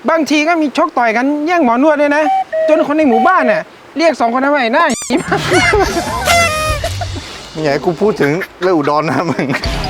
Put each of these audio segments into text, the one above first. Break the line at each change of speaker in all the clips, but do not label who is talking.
บางทีก็มีชกต่อยกันแย่งหมอนวดด้วยนะจนคนในหมู่บ้านน่ะเรียก2 คนนั้นว่าไอ้หน้า
ไม่อยากให้กูพูดถึงเรื่องอุดรนะมึง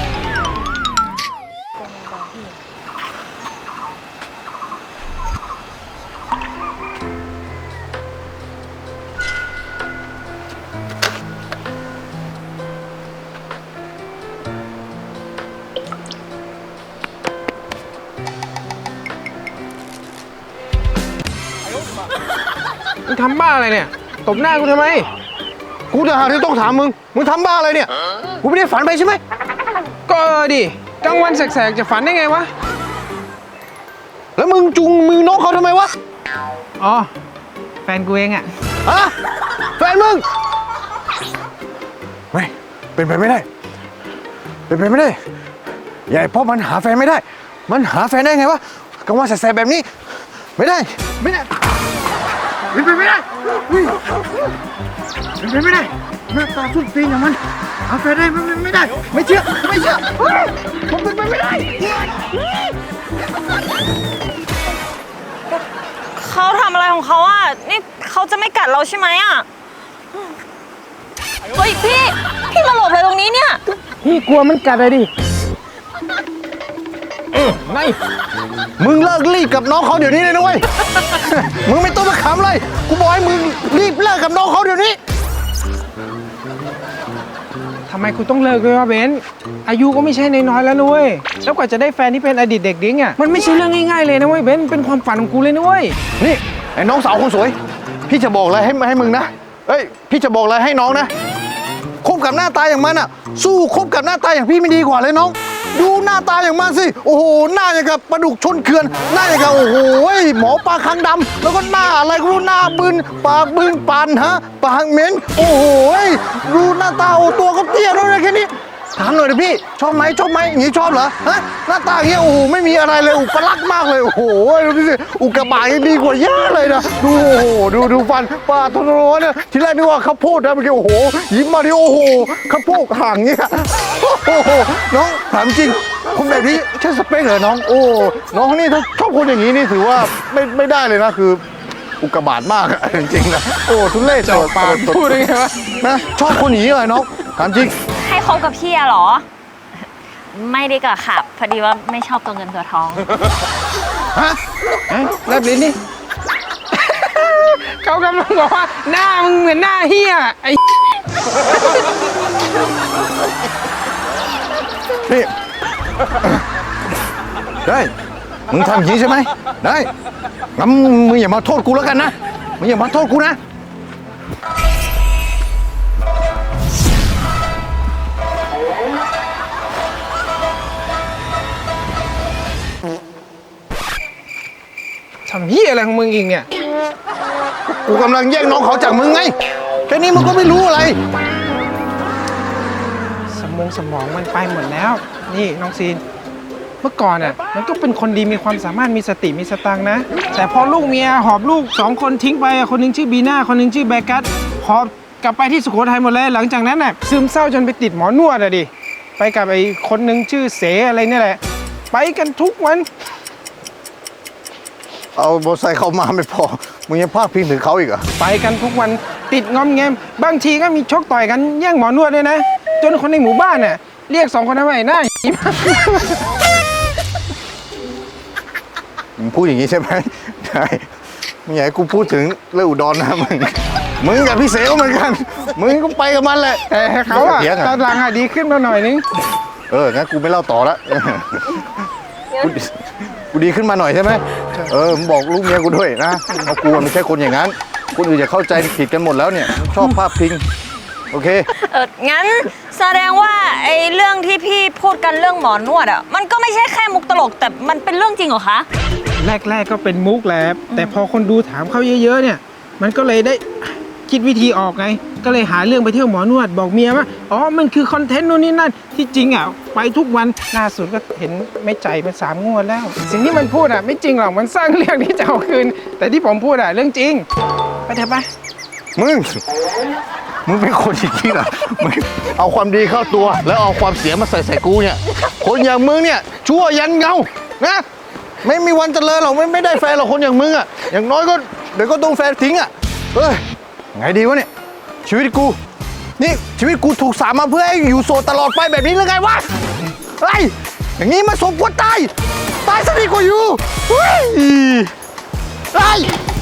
มึงทำบ้าอะไรเนี่ยตบหน้ากูทำไม
กูจะหาที่ต้องถามมึงทำบ้าอะไรเนี่ยกูไม่ได้ฝันไปใช่ไหม
ก็ดิกลางวันแสกๆจะฝันได้ไงวะ
แล้วมึงจุงมือน้องเขาทำไมวะ
อ๋อแฟนกูเองอะ
แฟนมึงไม่เป็นไปไม่ได้เป็นไปไม่ได้ใหญ่เพราะมันหาแฟนไม่ได้มันหาแฟนได้ไงวะกลางวันแสกๆแบบนี้ไม่ได้เป็นไปไม่ได้เป็นไปไม่ได้หน้าตาสุดตีนอย่างมันหาแฟนได้ไม่ได้ไม่เชื่อผมเป็นไปไม่ได้
เขาทำอะไรของเขาอ่ะนี่เขาจะไม่กัดเราใช่ไหมอ่ะเฮ้ยพี่มาหลบอะไรตรงนี้เนี่ย
พี่กลัวมันกัดเลยดิไง
มึงเลิกรีบกับน้องเขาเดี๋ยวนี้เลยนะเว้ย มึงไม่ต้องมาขำเลยกูบอกให้มึงรีบเลิกกับน้องเขาเดี๋ยวนี้
ทำไมกูต้องเลิกด้วยวะเบนอายุก็ไม่ใช่น้อยๆแล้วนุ้ยแล้วกว่าจะได้แฟนที่เป็นอดีตเด็กดิ้งอ่ะมันไม่ใช่เรื่องง่ายๆเลยนะเว้ยเบนเป็นความฝันของกูเลยนุ้ย
นี่ไอ้น้องสาวคนสวยพี่จะบอกอะไรให้มึงนะพี่จะบอกอะไรให้น้องนะคบกับหน้าตาอย่างมันอ่ะสู้คบกับหน้าตาอย่างพี่ไม่ดีกว่าเลยน้องดูหน้าตาอย่างมันสิโอ้โหหน้าอย่างกับปลาดุกชนเขื่อนหน้าอย่างกับโอ้โหหมอปลาคางดำแล้วก็หน้าอะไรก็รู้หน้าบึนปากบึนปันฮะปากเหม็นโอ้โหดูหน้าตาโอ้ตัวก็เตี้ยแล้วนะแค่นี้ถามหน่อยดิพี่ชอบไหมอย่างนี้ชอบเหรอฮะหน้าตาอย่างเงี้ยโอ้โหไม่มีอะไรเลยอุปลักษณ์มากเลยโอ้โหดูสิอุกกาบาตยังดีกว่าเยอะเลยนะดูโอ้โหดูฟันปลาทนร้อนเนี่ยทีแรกนึกว่าข้าวโพดนะเมื่อกี้โอ้โหยิ้มมาดิโอ้โหข้าวโพดห่างเงี้ยโอ้โหน้องถามจริงคนแบบนี้ใช่สเปคเหรอน้องโอ้น้องนี่ถ้าชอบคนอย่างนี้นี่ถือว่าไม่ได้เลยนะคืออุกกาบาตมากจริงๆนะโอ้ทุเรศ
จ่อปากพูดได้ไงวะ
นะชอบคนอย่างนี้เลยน้องถามจริง
ให้คบกับพี่เหรอไม่ได้กับขับพอดีว่าไม่ชอบตัวเงินตัวทอง
ฮะแลบลิ้นนี่เขากำลังบอกว่าหน้ามึงเหมือนหน้าเฮียไอ้
นี่ได้มึงทำอย่างนี้ใช่ไหมได้งั้นมึงอย่ามาโทษกูแล้วกันนะมึงอย่ามาโทษกูนะ
ทำเฮียอะไรของมึงอีกเนี่ย
กูกำลังแย่งน้องเขาจากมึงไงแค่นี้มึงก็ไม่รู้อะไร
สมองมันไปหมดแล้วนี่น้องซีนเมื่อก่อนอ่ะมันก็เป็นคนดีมีความสามารถมีสติมีสตังค์นะแต่พอลูกเมียหอบลูก2 คนทิ้งไปคนนึงชื่อบีน่าคนนึงชื่อแบกัสหอบกลับไปที่สุโขทัยหมดเลยหลังจากนั้นน่ะซึมเศร้าจนไปติดหมอนวดอ่ะดิไปกับไอ้คนนึงชื่อเสอะไรนี่แหละไปกันทุกวัน
เอามอเตอร์ไซค์เข้ามาไม่พอมึงยังพาดพิงถึงเขาอีกเหรอ
ไปกันทุกวันติดงอมแงมบางทีก็มีชกต่อยกันแย่งหมอนวดด้วยนะจนคนในหมู่บ้านน่ะเรียก2 คนนั้นว่าไอ้หน้า
มึงพูดอย่างนี้ใช่ไหมใช่มึงอยากให้กูพูดถึงเรื่องอุดรนะมึงกับพี่เสก็เหมือนกันมึงก็ไปกับมันแหละ
แต่เขาอะตอนหลังอะดีขึ้นมาหน่อยนึง
งั้นกูไม่เล่าต่อละกูดีขึ้นมาหน่อยใช่ไหมมึงบอกลูกเมียกูด้วยนะเอากูไม่ใช่คนอย่างนั้นคนอื่นจะเข้าใจผิดกันหมดแล้วเนี่ยชอบภาพพิงโอเค
งั้นแสดงว่าไอ้เรื่องที่พี่พูดกันเรื่องหมอนวดอ่ะมันก็ไม่ใช่แค่มุกตลกแต่มันเป็นเรื่องจริงเหรอคะ
แรกก็เป็นมุกแหละแต่พอคนดูถามเขาเยอะๆเนี่ยมันก็เลยได้คิดวิธีออกไงก็เลยหาเรื่องไปเที่ยวหมอนวดบอกเมียว่ามันคือคอนเทนต์นู่นนี่นั่นที่จริงอ่ะไปทุกวันล่าสุดก็เห็นไม่ใจมา3 งวดแล้วสิ่งที่มันพูดอ่ะไม่จริงหรอกมันสร้างเรื่องที่จะเอาคืนแต่ที่ผมพูดอ่ะเรื่องจริงไปเถอะไป
มึงเป็นคนอย่างนี้เหรอมึงเอาความดีเข้าตัวแล้วเอาความเสียมาใส่กูเนี่ยคนอย่างมึงเนี่ยชั่วยันเงานะไม่มีวันเจริญหรอกไม่ได้แฟนหรอกคนอย่างมึงอ่ะอย่างน้อยก็เดี๋ยวก็ต้องแฟนทิ้งอ่ะเฮ้ยไงดีวะเนี่ยชีวิตกูนี่ชีวิตกูถูกสามมาเพื่อให้อยู่โสดตลอดไปแบบนี้หรือไงวะเฮ้ยอย่างนี้มาสมควรตายซะดีกว่าอยู่เฮ้ย